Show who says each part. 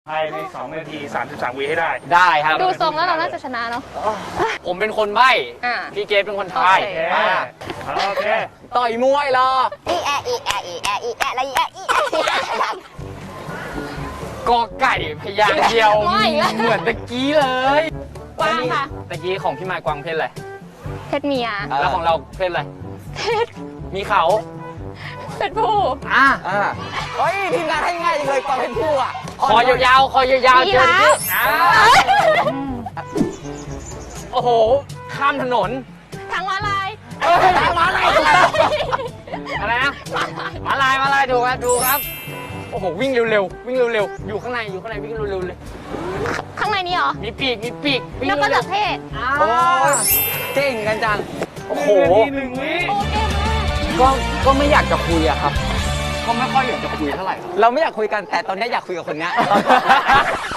Speaker 1: ภายใน2 นาที 33 วิให้ได้
Speaker 2: ได้ครับ
Speaker 3: ดูทรงแล้วเราน่าจะชนะเนาะ
Speaker 2: ผมเป็นคนใบ้
Speaker 3: อ่า
Speaker 2: พี่เกดเป็นคนทาย
Speaker 3: โอเค
Speaker 1: โอเค
Speaker 2: ต่อยมวยเหรอ
Speaker 4: อีแออีแออีแออีแอแล้วอีแออีแออีแอ
Speaker 2: กอไก่พยางค์เดียว
Speaker 3: ไม่ละ
Speaker 2: เหมือนตะกี้เลย
Speaker 3: กวางค่ะ
Speaker 2: ตะกี้ของพี่มายกวางเพศอะไร
Speaker 3: เพชรเมีย
Speaker 2: แล้วของเราเพศอะไร
Speaker 3: เพชร
Speaker 2: มีเขา
Speaker 3: เพชรผู้
Speaker 2: อ่ะ
Speaker 4: เฮ้ยทีมงานให้ง่ายจังเลยกวางเป็นผู้อ่ะ
Speaker 2: คอยาวๆคอยาวๆ
Speaker 3: ยี
Speaker 2: เจอ
Speaker 3: ราฟ
Speaker 2: ที่อ่าโอ้โห ข้ามถนน
Speaker 3: ทางม้าลาย
Speaker 2: ทางม้าลายถูกต้องอะไรนะม้าลายถูกครับถูกครับ โอ้โห วิ่งเร็วๆวิ่งเร็วๆอยู่ข้างในวิ่งเร็วๆเลย
Speaker 3: ข้างในนี้เหรอ
Speaker 2: มีปีกวิ่ง
Speaker 3: นกกระจ
Speaker 2: เร็
Speaker 3: อ
Speaker 2: ว
Speaker 3: กเทศ
Speaker 2: ๆ
Speaker 4: โอ้ยเก่งกันจัง
Speaker 2: โอ้โห
Speaker 1: 1 วิ
Speaker 3: โอเคมาก
Speaker 2: ก็ไม่อยากจะคุยอะครับ ก็ไม่ค่อยอยากจะคุยเท่าไหร่
Speaker 4: เราไม่อยากคุยกันแต่ตอนนี้อยากคุยกับคนเนี้ย